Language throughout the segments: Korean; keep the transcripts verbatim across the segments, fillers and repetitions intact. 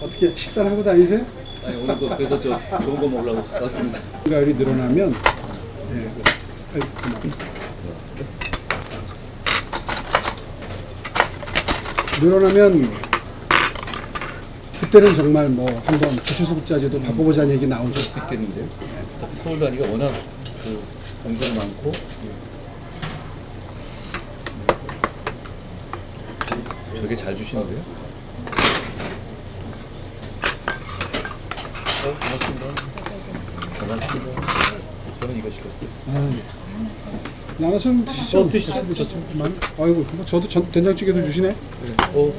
어떻게 식사를 하고 다니세요? 아니 오늘 그 그래서 저 좋은 거 먹으려고 왔습니다. 가을이 늘어나면 예, 아이고, 그만. 늘어나면 그때는 정말 뭐 한번 기초수급자제도 바꿔보자는 얘기 나오죠. 수 있겠는데요. 어차피 서울 다니가 워낙 그 공부도 많고. 되게 잘 주시는데요. 어, 고맙습니다. 고맙습니다. 저는 이거 시켰어요. 아, 예. 나눠 좀 드시죠. 어, 드시죠. 드시죠. 아이고, 뭐 저도 전, 된장찌개도 주시네. 어,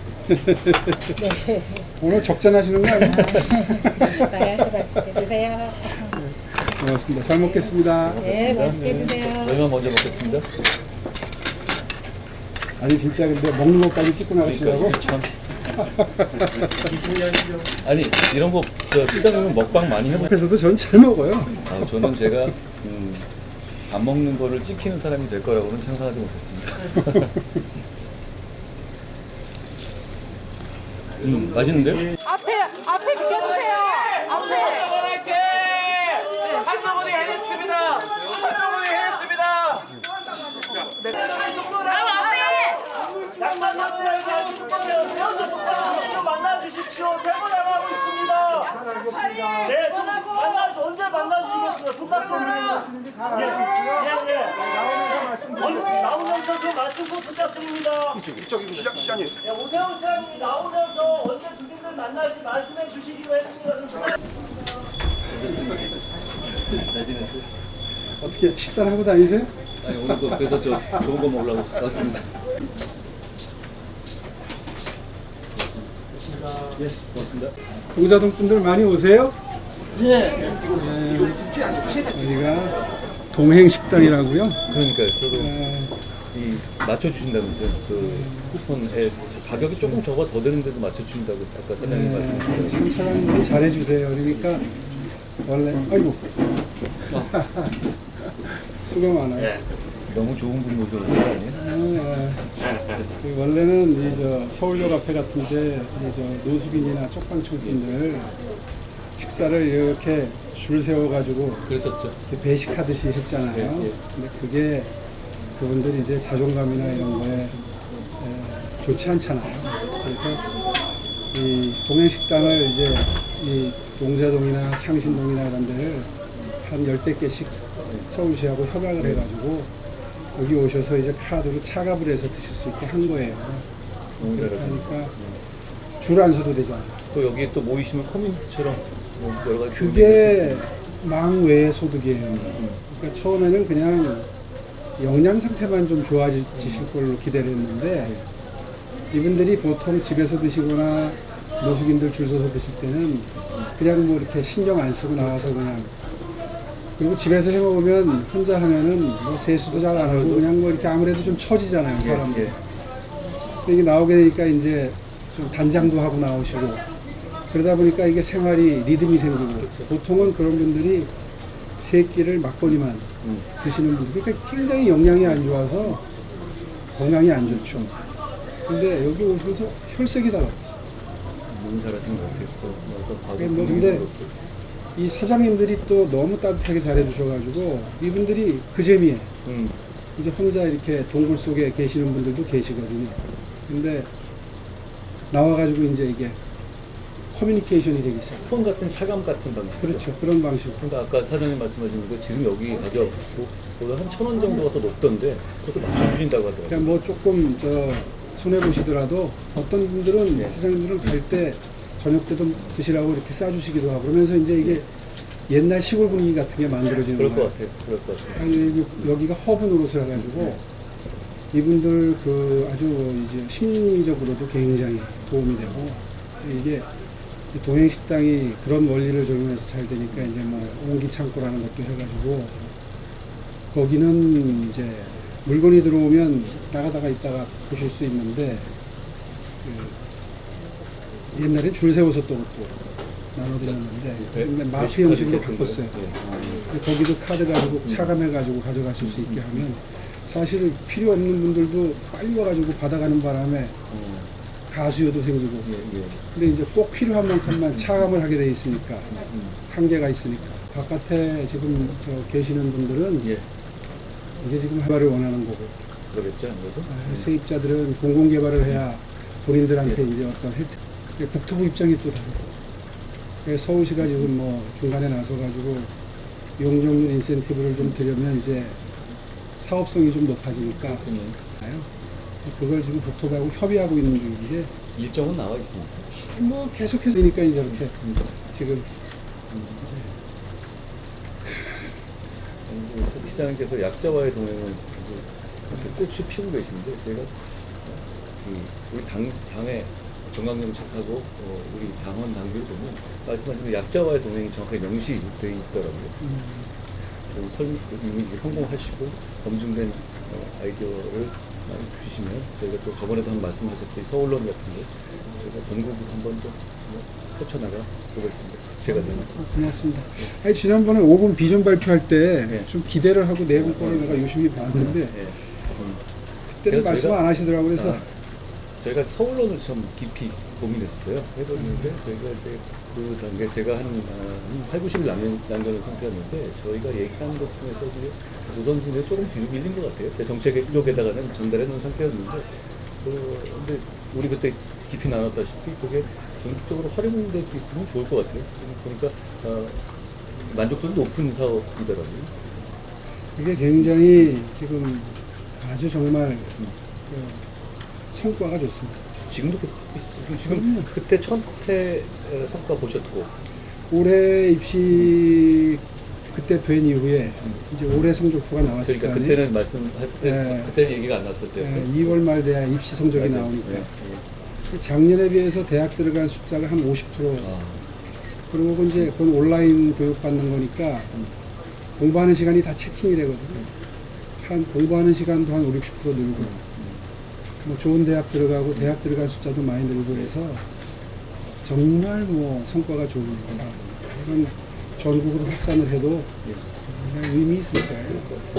오늘 적잔하시는 거 아니에요? 네, 맛있게 드세요. 고맙습니다. 잘 먹겠습니다. 네, 맛있게 드세요. 저희만 먼저 먹겠습니다. 아니 진짜 근데 먹는 것까지 찍고 나가시려고? 그러니까 참. 아니 이런 거 저 시장님은 먹방 많이 해보. 옆에서도 전 잘 먹어요. 아, 저는 제가 음, 안 먹는 거를 찍히는 사람이 될 거라고는 상상하지 못했습니다. 음, 맛있는데요? 앞에 앞에 비켜주세요. 앞에. 한동훈이 해냈습니다. 한동훈이 해냈습니다. 양반 나무라고 하시는 거면 배우자 속담으로 만나주십시오. 대본 안 하고 있습니다. 네, 좀 만나 언제 만나주시겠어요? 부탁 좀 해요. 예, 예, 예. 언제 나오면서 좀 말씀 좀 부탁드립니다. 이쪽 시장 시장님. 예, 오세훈 시장님이 나오면서 언제 주민들 만날지 말씀해 주시기로 했습니다. 좀 부탁- 잘 지냈어요? 어떻게 식사를 하고 다니세요? 아니 오늘 그 그래서 저 좋은 거 먹으려고 왔습니다. 예, 고맙습니다. 동자동 분들 많이 오세요? 네. 여기가 동행식당이라고요. 그러니까요. 저도 네. 이 맞춰 주신다면서요. 그 쿠폰에 가격이 조금 적어 더 되는데도 맞춰 주신다고 아까 사장님 네, 말씀하셨어요. 지금 사장님이 잘해주세요. 그러니까 원래 아이고 수고 많아요. 너무 좋은 분 모셔오신 거 아니에요? 아, 그 원래는 이 저 서울역 앞에 같은데 이 저 노숙인이나 쪽방촌 분들 식사를 이렇게 줄 세워가지고 그랬었죠. 이렇게 배식하듯이 했잖아요. 예, 예. 근데 그게 그분들이 이제 자존감이나 이런 거에 에, 좋지 않잖아요. 그래서 이 동행식당을 이제 이 동자동이나 창신동이나 이런 데를 한 열댓 개씩 서울시하고 협약을 해가지고 여기 오셔서 이제 카드로 차갑을 해서 드실 수 있게 한 거예요. 너무 그렇게 잘하시네. 하니까 줄 안 서도 되잖아요. 또 여기 또 모이시면 커뮤니티처럼 뭐 여러 가지 그게 망외의 소득이에요. 그러니까 처음에는 그냥 영양 상태만 좀 좋아지실 걸로 기대를 했는데 이분들이 보통 집에서 드시거나 노숙인들 줄 서서 드실 때는 그냥 뭐 이렇게 신경 안 쓰고 나와서 그냥 그리고 집에서 해 먹으면 혼자 하면은 뭐 세수도 잘 안 하고 그냥 뭐 이렇게 아무래도 좀 처지잖아요, 사람들. 예, 예. 근데 이게 나오게 되니까 이제 좀 단장도 하고 나오시고 그러다 보니까 이게 생활이 리듬이 생기고 보통은 그런 분들이 세 끼를 막걸리만 음. 드시는 분들 그러니까 굉장히 영양이 안 좋아서 건강이 안 좋죠. 근데 여기 오시면서 혈색이 달라요. 너무 잘하신 것 같아요. 저 와서 봐도 그게 뭐 분위기도 근데 그렇고. 이 사장님들이 또 너무 따뜻하게 잘해주셔가지고 이분들이 그 재미에 음. 이제 혼자 이렇게 동굴 속에 계시는 분들도 계시거든요. 근데 나와가지고 이제 이게 커뮤니케이션이 되기 시작해요. 쿠폰 같은 차감 같은 방식. 그렇죠. 그런 방식. 그러니까 아까 사장님 말씀하신 거 지금 여기 가격보다 한 천 원 정도가 더 높던데 그것도 맞춰주신다고 하더라고요. 그러니까 뭐 조금 저 손해 보시더라도 어떤 분들은 네. 사장님들은 갈 때 저녁 때도 드시라고 이렇게 싸주시기도 하고 그러면서 이제 이게 옛날 시골 분위기 같은 게 만들어지는 그럴 것 거예요. 같아요. 그럴 것 같아요. 아니, 여기- 여기가 허브 노릇을 해가지고 이분들 그 아주 이제 심리적으로도 굉장히 도움이 되고 이게 이 동행식당이 그런 원리를 적용해서 잘 되니까 이제 뭐 옹기창고라는 것도 해가지고 거기는 이제 물건이 들어오면 나가다가 있다가 보실 수 있는데 그 옛날에 줄 세워서 또 또 나눠드렸는데 그러니까 마트 형식으로 바꿨어요. 예. 거기도 카드 가지고 차감해가지고 가져가실 수 있게 하면 사실 필요 없는 분들도 빨리 와가지고 받아가는 바람에 가수요도 생기고. 예, 예. 근데 이제 꼭 필요한 만큼만 차감을 하게 돼 있으니까 음, 한계가 있으니까 바깥에 지금 저 계시는 분들은 예. 이게 지금 개발을 원하는 거고 그러겠죠, 아무래도. 아, 세입자들은 공공 개발을 해야 본인들한테 이제 어떤 혜택, 국토부 입장이 또 다르고 그래서 서울시가 지금 뭐 중간에 나서 가지고 용적률 인센티브를 좀 드리면 이제 사업성이 좀 높아지니까 음. 그걸 지금 국토부하고 협의하고 있는 중인데 일정은 나와 있습니다. 뭐 계속해서 그러니까 이제 이렇게 지금 음, 서 시장님께서 약자와의 동행을 아주 꽃이 피우고 계시는데 제가 그 우리 당 당의 정강정책하고 어, 우리 당원 당규를 보면 말씀하신 그 약자와의 동행이 정확하게 명시되어 있더라고요. 음, 좀 설, 이미 이게 성공하시고 검증된 어, 아이디어를 많이 주시면 저희가 또 저번에도 한 말씀하셨듯이 서울론 같은 거 저희가 전국으로 한번 좀 펼쳐나가 보겠습니다. 제가 되면. 어, 고맙습니다. 아니, 지난번에 오 분 비전 발표할 때 네. 좀 기대를 하고 내분 거를 내가 유심히 봤는데 예. 음, 그때는 제가 말씀 저희가- 안 하시더라고요. 그래서 아, 저희가 서울론을 좀 깊이 고민했어요. 해봤는데 저희가 이제 그 단계 제가 한, 아, 한 팔, 구십 일 남겨, 남겨놓은 상태였는데 저희가 얘기한 것 중에서 이제 우선순위에 조금 뒤로 밀린 것 같아요. 제 정책 쪽에다가는 전달해 놓은 상태였는데 그, 근데 우리 그때 깊이 나눴다시피 그게 전국적으로 활용될 수 있으면 좋을 것 같아요. 지금 보니까 어, 만족도는 높은 사업이더라고요. 이게 굉장히 지금 아주 정말 그 성과가 좋습니다. 지금도 계속 하고 있어요. 지금 그때 첫해 성과 보셨고 올해 입시 그때 된 이후에 이제 올해 성적표가 나왔을 그러니까 거 아니에요. 그때는 말씀할 때 네. 그때 얘기가 안 났을 때 예, 이월 말 돼야 입시 성적이 맞아요. 나오니까 네. 작년에 비해서 대학 들어간 숫자가 한 오십 퍼센트 아, 그리고 이제 그건 온라인 교육 받는 거니까 공부하는 시간이 다 체킹이 되거든요. 한 공부하는 시간도 한 오, 육십 퍼센트 늘고 뭐 좋은 대학 들어가고 대학 들어간 숫자도 많이 늘고 해서 정말 뭐 성과가 좋은 상황입니다. 이건 전국으로 확산을 해도 굉장히 의미 있을 거예요.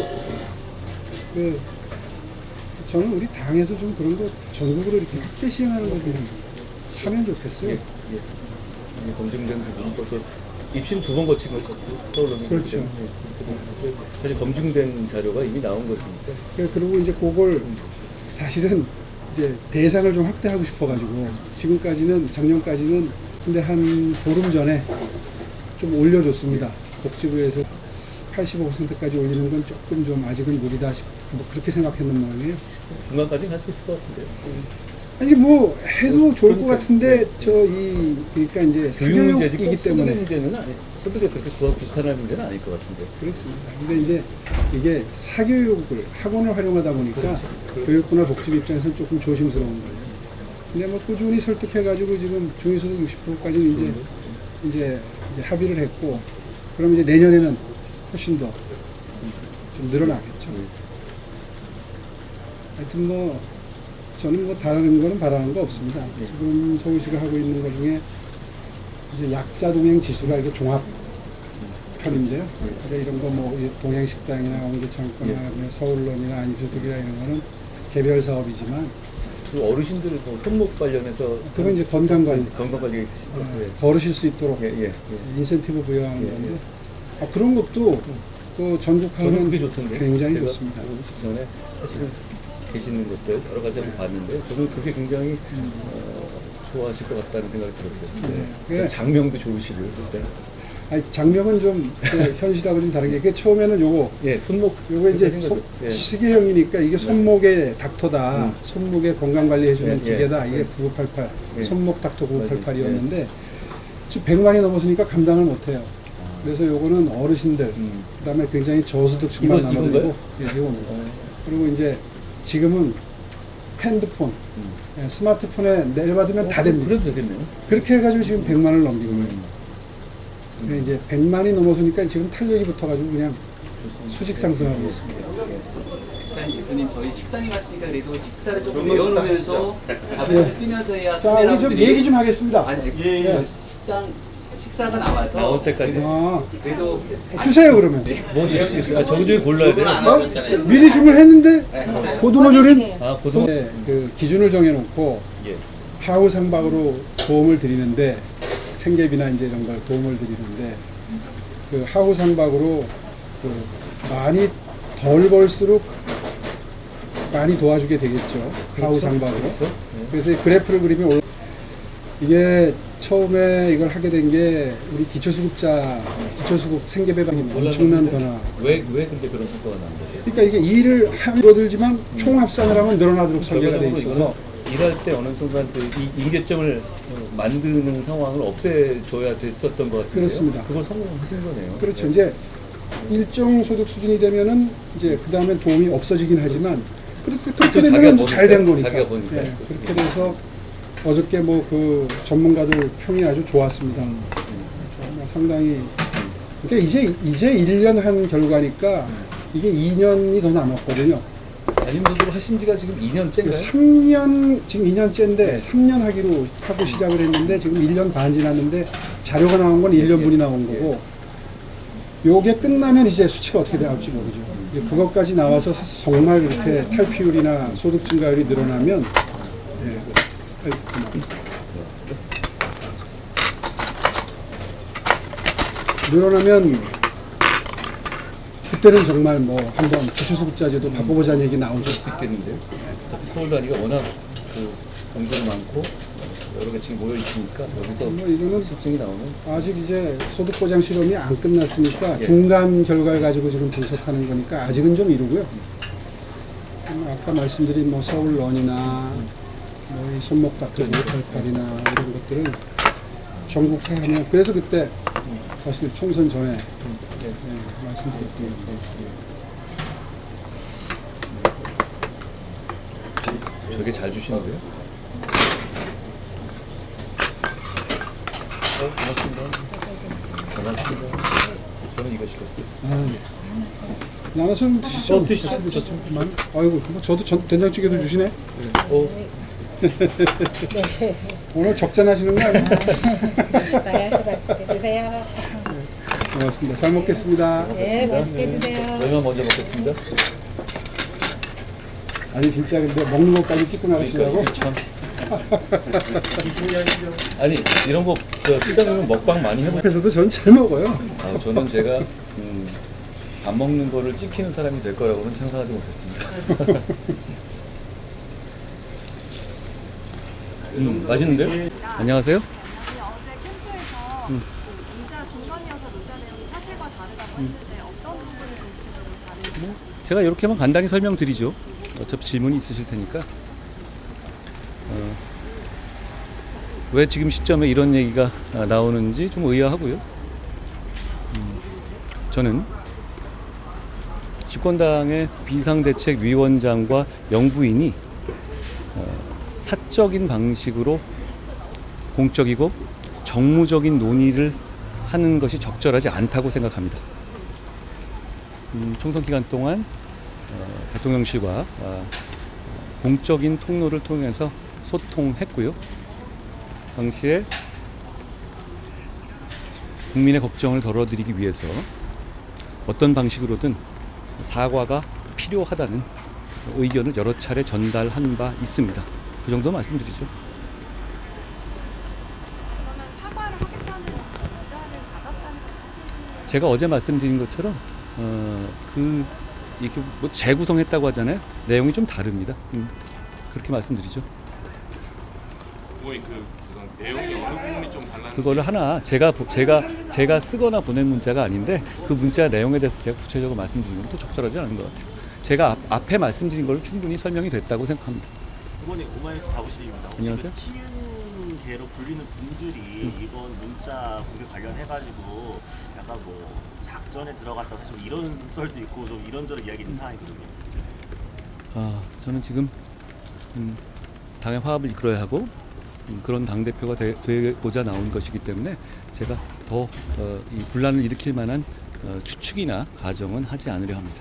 그 저는 우리 당에서 좀 그런 거 전국으로 이렇게 확대 시행하는 거 좀 하면 좋겠어요. 예, 예. 검증된 부분 또 입시는 두 번 거친 거죠. 서울로 그렇죠. 그래서 사실 검증된 자료가 이미 나온 것이니까 그- 그리고 이제 그걸 사실은 이제 대상을 좀 확대하고 싶어가지고 지금까지는 작년까지는 근데 한 보름 전에 좀 올려줬습니다. 복지부에서 팔십오 퍼센트까지 올리는 건 조금 좀 아직은 무리다 싶, 뭐 그렇게 생각했는 모양이에요. 중간까지는 할 수 있을 것 같은데요. 아니 뭐 해도 좋을 것 그러니까, 같은데 네. 저 이 그러니까 이제 교육 문제지 사교육이기 꼭 소득의 때문에 문제는 아니, 소득에 그렇게 국한할 문제는 아닐 것 같은데. 그렇습니다. 근데 이제 이게 사교육을 학원을 활용하다 보니까 그렇죠. 그렇죠. 교육부나 복지부 입장에서는 조금 조심스러운 거예요. 근데 뭐 꾸준히 설득해가지고 지금 중위소득 육십 퍼센트까지는 이제 이제 이제 합의를 했고, 그럼 이제 내년에는 훨씬 더 좀 늘어나겠죠. 음. 하여튼 뭐 저는 뭐 다른 거는 바라는 거 없습니다. 네. 지금 서울시가 하고 있는 것 중에 이제 약자 동행 지수가 이게 종합 편인데요. 이제 이런 거 뭐 동행식당이나 옹기창고나 네. 서울론이나 안입소득이나 이런 거는 개별 사업이지만 그 어르신들 뭐 손목 관련해서 그건 이제 건강관리. 건강관리가 있으시죠. 어, 예. 걸으실 수 있도록 예, 예, 예. 인센티브 부여하는 예, 건데 예. 아, 그런 것도 그 전국하면 저는 그게 좋던데. 굉장히 제가 좋습니다. 오시기 전에 사실은 계시는 것들 여러 가지 한번 봤는데 저는 그게 굉장히 어, 좋아하실 것 같다는 생각이 들었어요. 네. 그 예. 장명도 좋으시고요. 그때. 아니, 장면은 좀 그 현실하고 좀 다른 게 그 처음에는 요거 예, 손목 요거 이제 그렇게 손, 생각해요. 예. 시계형이니까 이게 손목의 닥터다. 음. 손목에 건강 관리해주는 예, 예. 기계다. 이게 예. 구구팔팔 예. 손목 닥터 구구팔팔이었는데 예. 지금 백만이 넘었으니까 감당을 못해요. 아. 그래서 요거는 어르신들, 음. 그다음에 굉장히 저소득층만 이거- 남아들고, 이건가요? 예, 이겁니다. 어, 그리고 이제 지금은 핸드폰, 음. 예, 스마트폰에 내려받으면 다 어, 됩니다. 그래도 되겠네요. 그렇게 해가지고 지금 백만을 넘긴 거예요. 음. 근데 이제 백만이 넘어서니까 지금 탄력이 붙어가지고 그냥 좋습니다. 수직 상승하고 예, 있습니다. 시장님 대표님 저희 식당에 갔으니까 그래도 식사를 조금 내어놓으면서 밥을 예. 좀 뜨면서 자, 우리 좀 얘기 좀 하겠습니다. 아니 예, 예. 저 식당 식사가 나와서 나올 때까지. 아, 그래도 주세요 그러면. 뭐 시킬 수 있어요? 아, 저거 중에 골라야 돼요? 어? 미리 주문했는데 고등어 조림 아, 고등 네, 그 기준을 정해놓고 예. 하우 상박으로 도움을 드리는데 생계비나 이제 이런 걸 도움을 드리는데 그 하우 상박으로 그 많이 덜 벌수록 많이 도와주게 되겠죠. 하우 상박으로. 그렇죠. 네. 그래서 이 그래프를 그리면 올- 이게 처음에 이걸 하게 된 게 우리 기초수급자 기초수급 생계배방이 엄청난 변화. 왜, 왜 근데 그런 성과가 나는 거죠? 그러니까 이게 일을 하면 줄어들지만 총 합산을 하면 늘어나도록 설계가 돼 결과적으로 있어서 이거는 일할 때 어느 순간 그 이 임계점을 어, 만드는 상황을 없애줘야 됐었던 것 같은데요. 그렇습니다. 그걸 성공하신 거네요. 그렇죠. 네. 이제 일정 소득 수준이 되면은 이제 그 다음엔 도움이 없어지긴 하지만 그렇게 그렇게 자기가 되면 보니까, 잘 된 거니까. 자기가 보니까. 예, 그렇게 돼서 어저께 뭐 그 전문가들 평이 아주 좋았습니다. 정말 상당히. 그러니까 이제 이제 일 년 한 결과니까 이게 이 년이 더 남았거든요. 담임선수로 하신 지가 지금 이 년째인가요? 삼 년 지금 이 년째인데 삼 년 하기로 하고 시작을 했는데 지금 일 년 반 지났는데 자료가 나온 건 일 년분이 나온 거고 요게 끝나면 이제 수치가 어떻게 나올지 모르죠. 이제 그것까지 나와서 정말 이렇게 탈피율이나 소득 증가율이 늘어나면 예, 아이고, 그만. 늘어나면 그때는 정말 뭐 한번 기초수급자제도 바꿔보자는 얘기 나오죠. 수 있겠는데요. 어차피 서울 단위가 워낙 그 공정이 많고 여러 개 지금 모여 있으니까 여기서 뭐 이거는 실증이 나오면 아직 이제 소득보장 실험이 안 끝났으니까 예. 중간 결과를 가지고 지금 분석하는 거니까 아직은 좀 이르고요. 음, 아까 말씀드린 뭐 서울런이나 뭐이 손목 닦기 팔팔이나 이런 것들은 전국화하면 그래서 그때 사실 총선 전에 예. 예, 말씀드렸던 되게 잘 주시는데요. 어, 고맙습니다. 고맙습니다. 저는 이거 시켰어요. 아, 네. 나눠서 드시죠. 어, 드시죠. 드시죠. 아이고, 뭐 저도 전, 된장찌개도 주시네. 어, 오늘 적잔하시는 거 아니에요? 나야 맛있게 드세요. 고맙습니다. 잘 먹겠습니다. 네, 맛있게 드세요. 저희만 먼저 먹겠습니다. 아니 진짜 근데 먹는 것까지 찍고 나가시려고? 그러니까 참. 아니 이런 거 저 시장님은 먹방 많이 해보. 옆에서도 전 잘 먹어요. 아, 저는 제가 음, 안 먹는 거를 찍히는 사람이 될 거라고는 상상하지 못했습니다. 음, 맛있는데요? 안녕하세요. 아니, 어제 캠프에서 문자 중간이어서 문자 내용이 사실과 다르다고 했는데 어떤 부분이 좀 구체적으로 다른지 제가 이렇게만 간단히 설명드리죠. 어차피 질문이 있으실 테니까. 어, 왜 지금 시점에 이런 얘기가 나오는지 좀 의아하고요. 음, 저는 집권당의 비상대책위원장과 영부인이 어, 사적인 방식으로 공적이고 정무적인 논의를 하는 것이 적절하지 않다고 생각합니다. 음, 총선 기간 동안 어, 대통령실과 어, 공적인 통로를 통해서 소통했고요. 당시에 국민의 걱정을 덜어드리기 위해서 어떤 방식으로든 사과가 필요하다는 의견을 여러 차례 전달한 바 있습니다. 그 정도 말씀드리죠. 그러면 사과를 하겠다는 문자를 받았다는 건 사실 제가 어제 말씀드린 것처럼 어, 그 이렇게 뭐 재구성했다고 하잖아요. 내용이 좀 다릅니다. 음, 그렇게 말씀드리죠. 그거의 그 우선 내용이 어느 부분이 좀 달랐는지 그거를 하나 제가 보- 제가 제가 쓰거나 보낸 문자가 아닌데 그 문자 내용에 대해서 제가 구체적으로 말씀드리는 건 또 적절하지 않은 것 같아요. 제가 앞, 앞에 말씀드린 걸 충분히 설명이 됐다고 생각합니다. 이번에 오마이뉴스 다우시입니다. 안녕하세요. 치윤계로 불리는 분들이 이번 문자 공개 관련해가지고 약간 뭐 작전에 들어갔다 좀 이런 썰도 있고 좀 이런저런 이야기 있는 상황이거든요. 아, 저는 지금 음, 당의 화합을 이끌어야 하고 음, 그런 당 대표가 되, 되고자 나온 것이기 때문에 제가 더 어, 이 분란을 일으킬 만한 어, 추측이나 가정은 하지 않으려 합니다.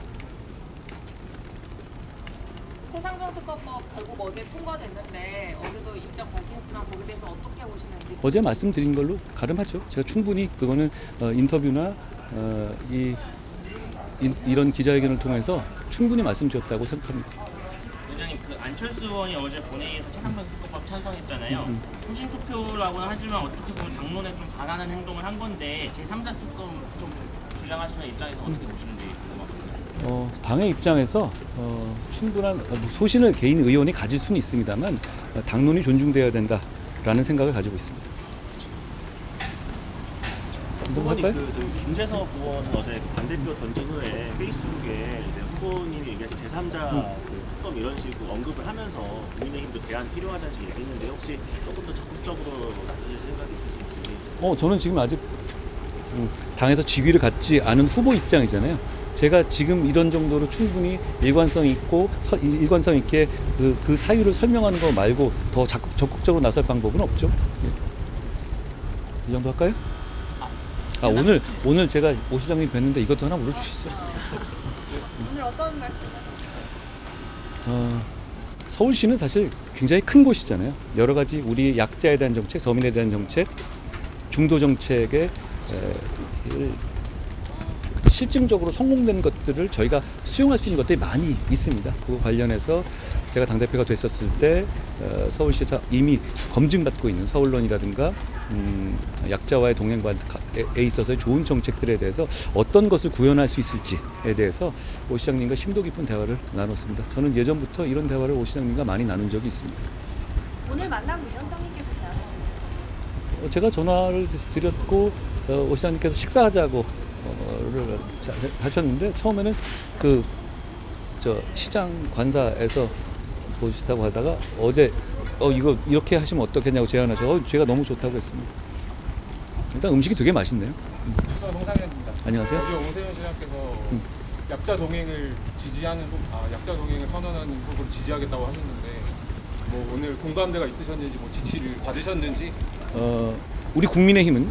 최상병특허법 결국 어제 통과됐는데 어제도 입장 밝혔지만 거기에 대해서 어떻게 보시는지 어제 말씀드린 걸로 가름하죠. 제가 충분히 그거는 어, 인터뷰나 어, 이 이, 이런 기자회견을 통해서 충분히 말씀드렸다고 생각합니다. 위원장님 그 안철수 의원이 어제 본회의에서 최상병 특검법 찬성했잖아요. 소신 투표라고는 하지만 어떻게 보면 당론에 좀 반하는 행동을 한 건데 제삼자 특검 좀 주, 주장하시는 입장에서 어떻게 보시는지 궁금합니다. 어, 당의 입장에서 어, 충분한 어, 소신을 개인 의원이 가질 수는 있습니다만 어, 당론이 존중되어야 된다라는 생각을 가지고 있습니다. 후보님 그 저기 김재석 의원 어제 반대표 던진 후에 페이스북에 이제 후보님이 얘기하신 제삼자 그 특검 이런 식으로 언급을 하면서 국민의힘도 대안 필요하다는 식으로 얘기했는데 혹시 조금 더 적극적으로 나서실 생각이 있으신지. 어, 저는 지금 아직 음, 당에서 직위를 갖지 않은 후보 입장이잖아요. 제가 지금 이런 정도로 충분히 일관성 있고 서, 일관성 있게 그, 그 사유를 설명하는 거 말고 더 적극, 적극적으로 나설 방법은 없죠. 예. 이 정도 할까요? 아, 오늘 오늘 제가 오 시장님 뵀는데 이것도 하나 물어주시죠. 오늘 어떤 말씀하셨어요? 어, 서울시는 사실 굉장히 큰 곳이잖아요. 여러 가지 우리 약자에 대한 정책, 서민에 대한 정책, 중도 정책에 에, 일, 실증적으로 성공된 것들을 저희가 수용할 수 있는 것들이 많이 있습니다. 그 관련해서 제가 당대표가 됐었을 때 어, 서울시에서 이미 검증받고 있는 서울론이라든가 음, 약자와의 동행에 있어서의 좋은 정책들에 대해서 어떤 것을 구현할 수 있을지에 대해서 오 시장님과 심도 깊은 대화를 나눴습니다. 저는 예전부터 이런 대화를 오 시장님과 많이 나눈 적이 있습니다. 오늘 만남 위원장님께서 제안하셨습니다. 어, 제가 전화를 드렸고 어, 오 시장님께서 식사하자고 를 하셨는데 처음에는 그 저 시장 관사에서 보시다고 하다가 어제 어 이거 이렇게 하시면 어떻겠냐고 제안하셔서 어, 제가 너무 좋다고 했습니다. 일단 음식이 되게 맛있네요. 부산 홍상현입니다. 안녕하세요. 어제 오세훈 시장께서 음. 약자 동행을 지지하는 후, 아 약자 동행을 선언하는 후보를 지지하겠다고 하셨는데 뭐 오늘 공감대가 있으셨는지 뭐 지지를 받으셨는지. 어 우리 국민의힘은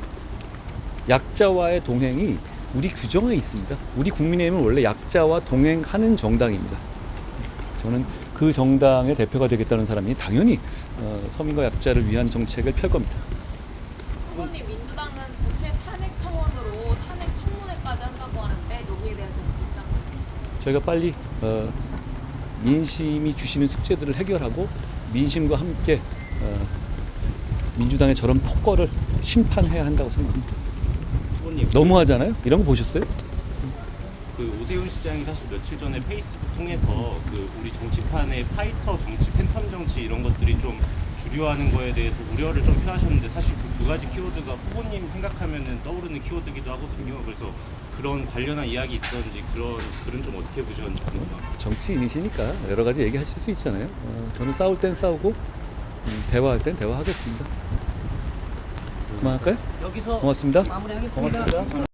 약자와의 동행이 우리 규정에 있습니다. 우리 국민의힘은 원래 약자와 동행하는 정당입니다. 저는 그 정당의 대표가 되겠다는 사람이 당연히 어, 서민과 약자를 위한 정책을 펼 겁니다. 후보님 민주당은 국회 탄핵 청원으로 탄핵 청문회까지 한다고 하는데 여기에 대해서 입장 저희가 빨리 어, 민심이 주시는 숙제들을 해결하고 민심과 함께 어, 민주당의 저런 폭거를 심판해야 한다고 생각합니다. 후보님, 너무하잖아요? 이런 거 보셨어요? 그 오세훈 시장이 사실 며칠 전에 페이스북 통해서 그 우리 정치판의 파이터 정치, 팬텀 정치 이런 것들이 좀 주류하는 거에 대해서 우려를 좀 표하셨는데 사실 그 두 가지 키워드가 후보님 생각하면은 떠오르는 키워드기도 하거든요. 그래서 그런 관련한 이야기 있었는지 그런 글은 좀 어떻게 보셨는지 궁금합니다. 정치인이시니까 여러 가지 얘기하실 수 있잖아요. 어, 저는 싸울 땐 싸우고 음, 대화할 땐 대화하겠습니다. 그만할까요? 여기서 고맙습니다. 마무리하겠습니다. 고맙습니다.